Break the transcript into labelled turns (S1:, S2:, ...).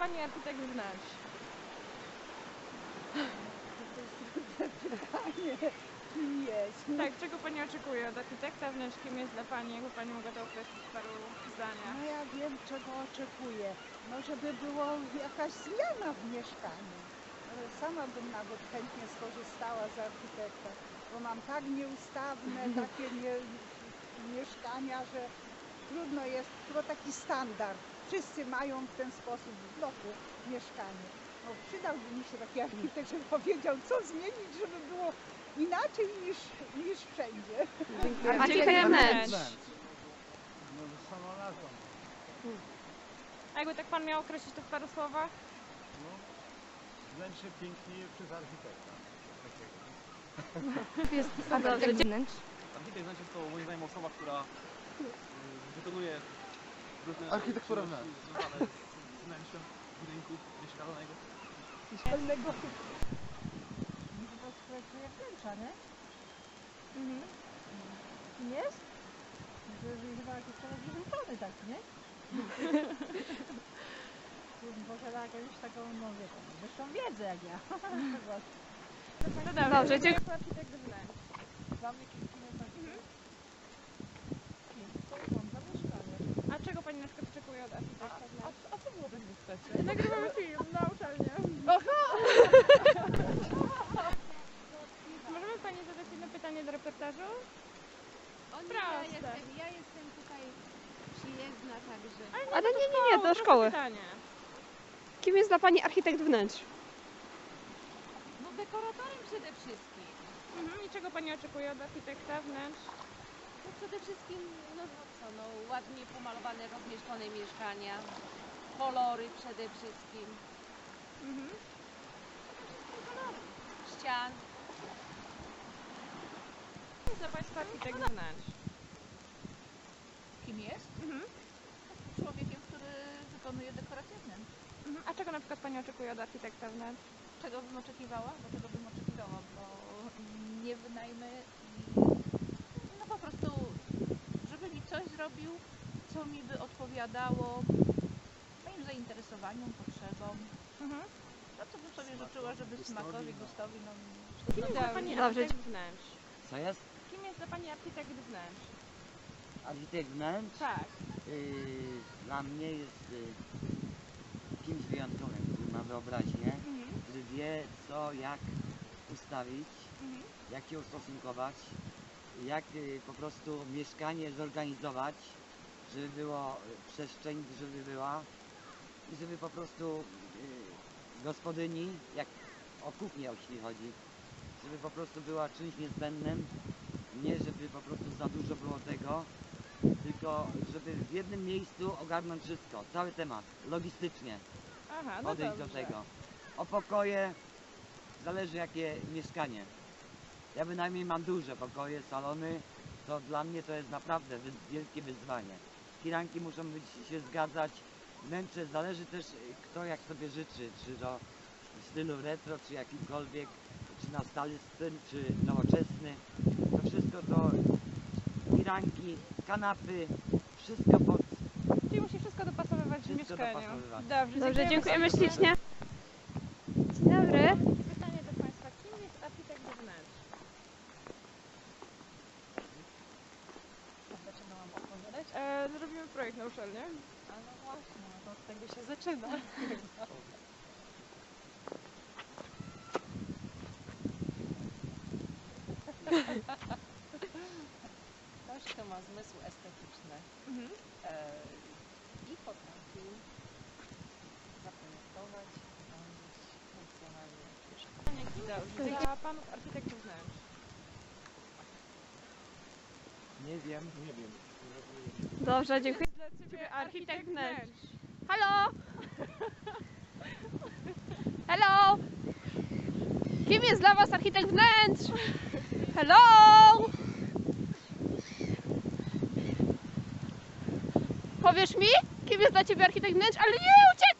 S1: Pani architekt wnętrz?
S2: To jest trudne pytanie. Kim jest?
S1: Tak, czego Pani oczekuje od architekta wnętrz? Kim jest dla Pani? Jakby Pani mogła to określić w paru zdaniach?
S2: No ja wiem, czego oczekuję. No żeby było jakaś zmiana w mieszkaniu. Ale sama bym nawet chętnie skorzystała z architekta, bo mam tak nieustawne takie mieszkania, że trudno jest, chyba taki standard. Wszyscy mają w ten sposób w bloku mieszkanie. No, przydałby mi się taki architekt, żeby powiedział, co zmienić, żeby było inaczej niż wszędzie.
S1: Architekt wnętrz.
S3: No sama nazwa.
S1: A jakby tak Pan miał określić to w paru słowach?
S3: No, wnętrze pięknieje przez architekta. Takiego.
S4: Jest architekt wnętrz.
S5: Architekt wnętrz jest to moim zdaniem osoba, która wykonuje różne
S3: Architektura
S5: czynności
S3: wnętrz.
S5: związane z wnętrzem budynku mieszkalnego.
S2: Mieszkalnego. To projektuje wnętrza, nie? Jest? Chyba jakiś teraz wyrzucony taki, nie? Posiada jakąś taką, no wie pan, wyższą wiedzę jak ja.
S1: No dobrze, dziękuję. Architekt wnętrz.
S2: Dla mnie kim jest architekt? To mam za mieszkanie.
S1: A czego Pani na przykład oczekuje od architekta wnętrz?
S2: A co było będzie chcecie?
S1: Nagrywamy film na uczelnię. Możemy Pani zadać jedno pytanie do reportażu? Proste.
S4: Ja jestem tutaj przyjezdna, także...
S1: Ale
S4: nie, do szkoły.
S1: Pytanie.
S4: Kim jest dla Pani architekt wnętrz?
S6: No dekoratorem przede wszystkim.
S1: I czego Pani oczekuje od architekta wnętrz?
S6: No przede wszystkim, no co, no ładnie pomalowane, rozmieszczone mieszkania, kolory przede wszystkim, kolory ścian.
S1: Co jest dla Państwa architekt wnętrz?
S7: Kim jest? Człowiekiem, który wykonuje dekoracje wnętrz.
S1: A czego na przykład Pani oczekuje od architekta wnętrz?
S7: Czego bym oczekiwała? Bo czego bym oczekiwała? Bo nie wynajmę i no po prostu, żeby mi coś zrobił, co mi by odpowiadało moim zainteresowaniom, potrzebom. No co bym sobie życzyła, żeby smakowi, gustowi, no...
S1: Kim jest dla Pani architekt wnętrz?
S8: Co jest?
S1: Kim jest dla Pani architekt wnętrz?
S8: Architekt wnętrz?
S1: Tak.
S8: Dla mnie jest kimś wyjątkowym, który ma wyobraźnię, który wie co, jak ustawić, jak się ustosunkować, jak po prostu mieszkanie zorganizować, żeby było przestrzeń, żeby była i żeby po prostu gospodyni, jak o kuchnię jeśli chodzi, żeby po prostu była czymś niezbędnym, nie żeby po prostu za dużo było tego, tylko żeby w jednym miejscu ogarnąć wszystko, cały temat, logistycznie
S1: Aha, no
S8: podejść do
S1: dobrze.
S8: tego. O pokoje zależy jakie mieszkanie. Ja bynajmniej mam duże pokoje, salony, to dla mnie to jest naprawdę wielkie wyzwanie. Firanki muszą się zgadzać, wnętrze zależy też kto jak sobie życzy, czy to w stylu retro, czy jakimkolwiek, czy na stary styl, czy nowoczesny. To wszystko to firanki, kanapy, wszystko pod...
S1: Czyli musi wszystko dopasowywać w
S8: Wszystko
S1: mieszkaniu.
S8: dopasowywać.
S1: Dobrze,
S4: dziękujemy ślicznie. Dzień dobry.
S1: Pytanie do Państwa. Kim jest architekt wnętrz?
S7: Dlaczego mam odpowiadać?
S1: Zrobimy projekt na uczelnię.
S7: A no właśnie, no to od tego się zaczyna. Ktoś, kto ma zmysł estetyczny i potrafi zaprojektować, urządzić funkcjonalnie mieszkanie.
S1: Dobrze. Dla Panów architekt wnętrz.
S3: Nie wiem. Nie wiem.
S4: Dobrze, dziękuję.
S1: Dla Ciebie architekt wnętrz.
S4: Halo! Hello! Kim jest dla Was architekt wnętrz? Hello! Powiesz mi, kim jest dla Ciebie architekt wnętrz? Ale nie, uciekaj!